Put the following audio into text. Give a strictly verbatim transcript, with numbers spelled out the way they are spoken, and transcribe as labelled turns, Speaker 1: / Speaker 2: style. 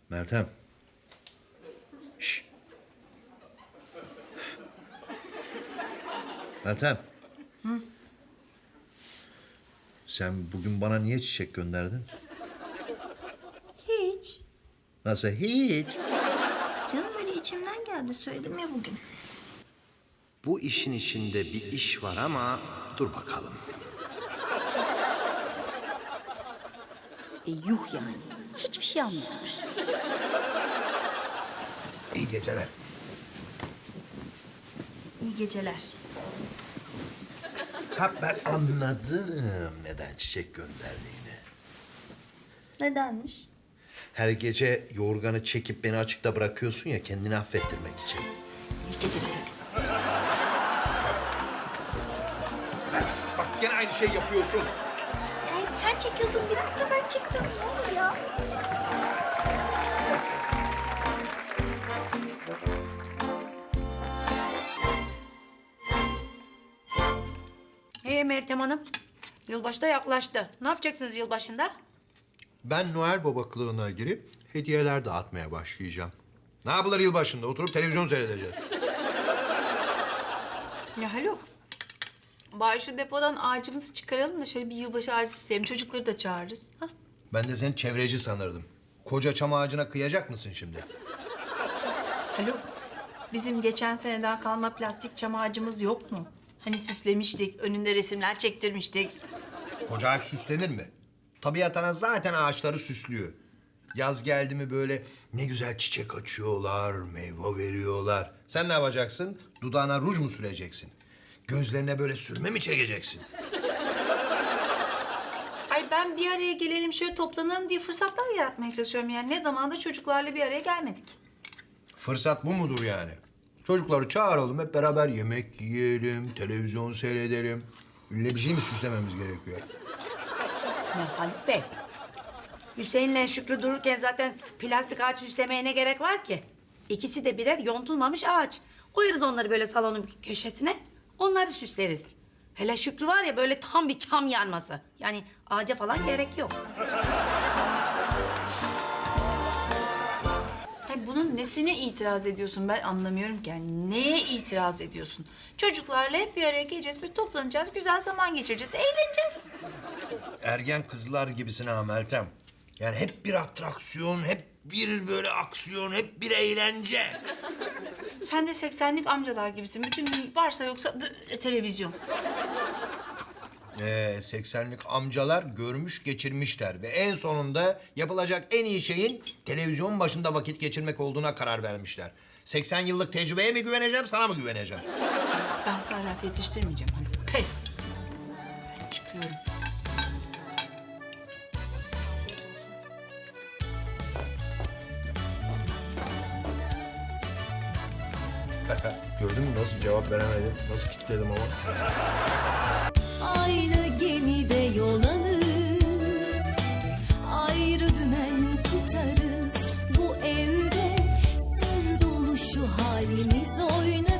Speaker 1: Meltem. Şş. Meltem.
Speaker 2: Hı?
Speaker 1: Sen bugün bana niye çiçek gönderdin?
Speaker 2: Hiç.
Speaker 1: Nasıl hiç?
Speaker 2: Canım böyle içimden geldi, söyledim ya bugün.
Speaker 1: Bu işin içinde bir iş var ama dur bakalım.
Speaker 2: E yuh yani. Hiçbir şey anlamamış.
Speaker 1: İyi geceler.
Speaker 2: İyi geceler.
Speaker 1: Ha ben anladım neden çiçek gönderdiğini.
Speaker 2: Nedenmiş?
Speaker 1: Her gece yorganı çekip beni açıkta bırakıyorsun ya kendini affettirmek için.
Speaker 2: İyi geceler.
Speaker 1: Bak gene aynı şey yapıyorsun.
Speaker 2: Hayır, sen çekiyorsun, biraz da ben çeksem ne olur ya?
Speaker 3: Hey Meltem Hanım, yılbaşı da yaklaştı. Ne yapacaksınız yılbaşında?
Speaker 1: Ben Noel Baba kılığına girip hediyeler dağıtmaya başlayacağım. Ne yapılır yılbaşında? Oturup televizyon seyredeceğiz.
Speaker 4: Ya Haluk, bari şu depodan ağacımızı çıkaralım da şöyle bir yılbaşı ağacı süsleyelim. Çocukları da çağırırız. Ha?
Speaker 1: Ben de seni çevreci sanırdım. Koca çam ağacına kıyacak mısın şimdi?
Speaker 4: Haluk, bizim geçen seneden kalma plastik çam ağacımız yok mu? Hani süslemiştik, önünde resimler çektirmiştik.
Speaker 1: Koca ağaç süslenir mi? Tabiat ana zaten ağaçları süslüyor. Yaz geldi mi böyle ne güzel çiçek açıyorlar, meyve veriyorlar. Sen ne yapacaksın? Dudağına ruj mu süreceksin? Gözlerine böyle sürme mi çekeceksin?
Speaker 4: Ay ben bir araya gelelim, şöyle toplanalım diye fırsatlar yaratmaya çalışıyorum. Yani ne zamandır çocuklarla bir araya gelmedik.
Speaker 1: Fırsat bu mudur yani? Çocukları çağıralım, hep beraber yemek yiyelim, televizyon seyredelim. İlle bir şey mi süslememiz gerekiyor?
Speaker 3: Ya Haluk Bey, Hüseyin'le Şükrü dururken zaten plastik ağaç süslemeye ne gerek var ki? İkisi de birer yontulmamış ağaç. Koyarız onları böyle salonun bir köşesine, onları süsleriz. Hele Şükrü var ya böyle tam bir çam yarması. Yani ağaca falan gerek yok.
Speaker 4: Hayır, bunun nesine itiraz ediyorsun ben anlamıyorum ki. Yani neye itiraz ediyorsun? Çocuklarla hep bir araya geleceğiz, bir toplanacağız, güzel zaman geçireceğiz, eğleneceğiz.
Speaker 1: Ergen kızlar gibisin ha Meltem. Yani hep bir atraksiyon, hep bir böyle aksiyon, hep bir eğlence.
Speaker 4: Sen de seksenlik amcalar gibisin. Bütün gün varsa yoksa böyle televizyon.
Speaker 1: Ee, seksenlik amcalar görmüş geçirmişler ve en sonunda yapılacak en iyi şeyin televizyon başında vakit geçirmek olduğuna karar vermişler. seksen yıllık tecrübeye mi güveneceğim, sana mı güveneceğim?
Speaker 4: Ben sana laf yetiştirmeyeceğim hani. Pes. Ben çıkıyorum.
Speaker 1: Gördün mü nasıl cevap veremedim, nasıl kilitledim ama.
Speaker 5: Aynı gemide yol alır, ayrı dümen tutarız. Bu evde sır dolu şu halimiz oynatır.